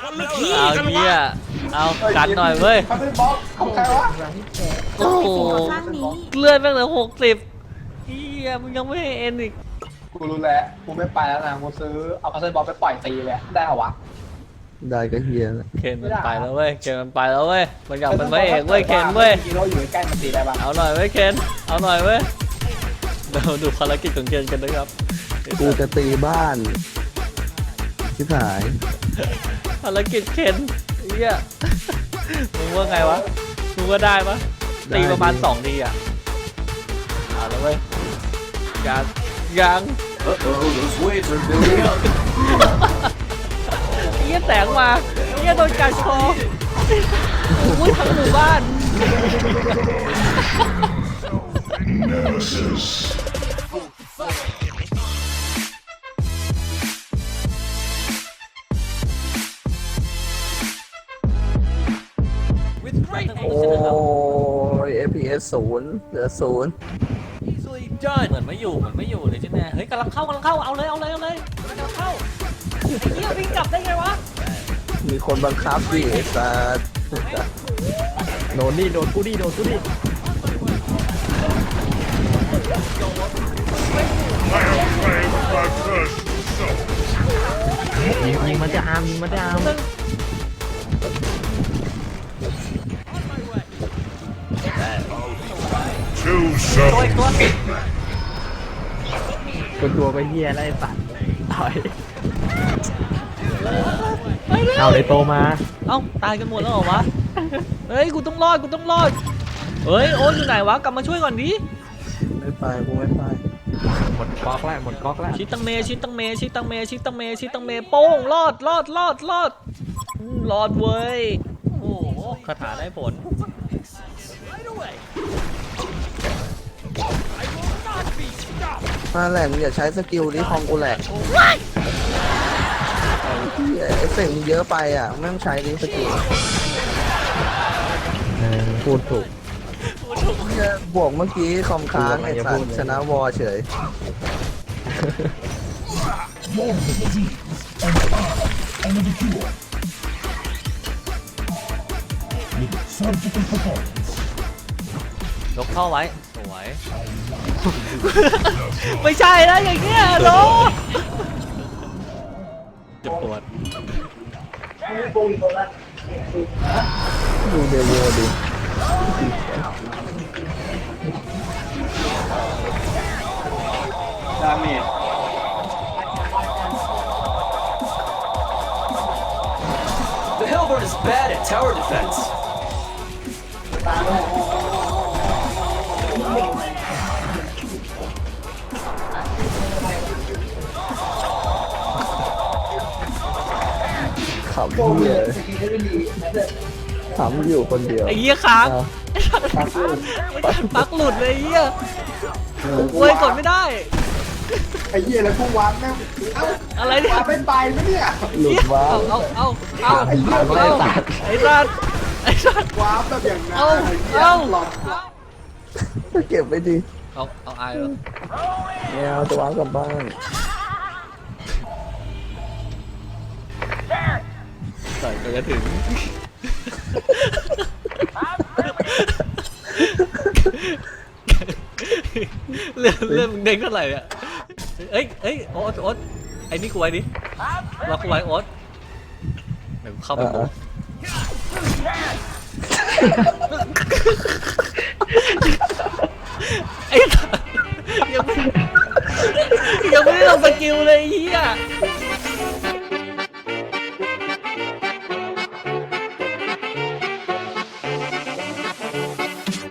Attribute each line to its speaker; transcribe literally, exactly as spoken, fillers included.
Speaker 1: เอาเหี้ยเอากันหน่อยเว้ย
Speaker 2: เขาเป็นบล็อกของใครวะ
Speaker 1: โอ้โหเลื่อนไปเหลือหกสิบเหี้ยมึงยังไม่ให้เอ็นอีก
Speaker 2: กูรู้แล้วกูไม่ไปแล้วนะกูซื้อเอาพัซเซิลบล็อกไปปล่อยตีเลยได้เหรอวะ
Speaker 3: ได้ก็เฮียแล้ว
Speaker 1: เคนมันไปแล้วเว้ยเคนมันไปแล้วเว้ยมันอยากเป็นพระเอกเว้ยเคนเว้ย
Speaker 2: ฮีโร่อยู่ใกล้ๆมันตีได้ปะ
Speaker 1: เอาหน่อยเว้ยเคนเอาหน่อยเว้ยเราดูภารกิจของเคนกันนะครับ
Speaker 3: กูจะตีบ้านชิบหาย
Speaker 1: ภารกิจเคนเหี้ยมึงว่าไงวะมึงว่าได้ปะตีประมาณสองทีอ่ะเอาแล้วเว้ยยังยัง
Speaker 4: Uh-oh, those waves are building up.
Speaker 1: เหี้ยแสงมาเหี้ยโดนกัดคออุ้ยทั้งหมู่บ้าน
Speaker 5: Nemesis.
Speaker 4: With great
Speaker 3: โอ้ย เอฟ พี เอส ศูนย์เหลือศูนย์
Speaker 4: easily done.
Speaker 1: เหมือนไม่อยู่เหมือนไม่อยู่เลยใช่ไหมเฮ้ยกำลังเข้ากำลังเข้าเอาเลยเอาเลยเอาเลยกำลังเข้าไอ้เหี้ยวิ่งกลับได้ไงวะ
Speaker 3: มีคนบังคับดิไอ้สัสโดนนี่โดนกูดิโดนกูดิ
Speaker 5: I have claimed my first soul.
Speaker 3: ยิงยิงมันจะอามยิงมันจะอาม
Speaker 5: Two
Speaker 1: ตัวอี
Speaker 5: souls.
Speaker 1: กตัว
Speaker 3: ตัวตัวไปเฮียแล้วไอ้สัสต่อย
Speaker 1: ไปเร็ว
Speaker 3: เอาเลยโตมา
Speaker 1: เอ้าตายกันหมดแล้วเหรอวะเฮ้ยกูต้องรอดกูต้องรอดเฮ้ยโอ๊ตอยู่ไหนวะกลับมาช่วยก่อนดิ
Speaker 3: ไม่ไปกูไม่ไปหมดก๊อกแล้วหมดก๊อกแล้ว
Speaker 1: ชิตังเมชิตังเมชิตังเมชิตังเมชิตังเมโป้งรอดรอดรอดรอดอืมรอดเว้ยโอ้โหคาถาได้ผล
Speaker 3: มาแหลกมึงอย่าใช้สกิลนี้คอมกูแหลกเฮียเอฟเฟกต์มึงเยอะไปอ่ะไม่ต้องใช้นี้สกิลพูดถูกเหี้ยบวกเมื่อกี้คอมค้างไอ้สัสชนะวอเฉย
Speaker 1: ยกเข้าไว้สวย ไม่ใช่แล้วอย่างเงี้ยโลจะปวด
Speaker 3: ดูเดโวดิ
Speaker 2: ดาเมจ
Speaker 4: The Hellborn is bad at tower defense.
Speaker 3: ขำเฮียขำอยู่คนเดียว
Speaker 1: ไอ้เหี้ยค้าง
Speaker 3: อ่ะ
Speaker 1: ปักหลุดเลยไอ้เหี้ยเว้ยกดไม่ได้
Speaker 2: ไอ้เหี้ยแล้วกูวาร์ปแม่งเอ้า
Speaker 1: อะไรเนี่ยว
Speaker 2: าร์ปเป็นไปไหมเนี่ย
Speaker 3: หลุดว้า
Speaker 1: เอา
Speaker 3: ว
Speaker 1: เอาเอาเอา
Speaker 2: ไอ้เหี้ย
Speaker 1: เอาไอ้สัตว์ไอ้สัตว์
Speaker 2: วาร์ปแบบอย่างนั้น
Speaker 1: เอา
Speaker 2: ไอ้เหี้ย
Speaker 1: เอา
Speaker 2: หลอก
Speaker 3: เก็บไปดิ
Speaker 1: เอาเอาอายเหรอ
Speaker 3: แมวจะวางกลับบ้าน
Speaker 1: ใส่ไปจะถึงเรื่องเรื่องเด้งเท่าไหร่เนี่ยเอ้ยเอ้ยโอ๊ตโอ๊ตไอ้นี่กูไว้ดิล็อกกูไว้โอ๊ตเดี๋ยวกูเข้าไปโมไอ้สัสยังไม่ยังไม่ได้ลงสกิลเลยไอ้เฮีย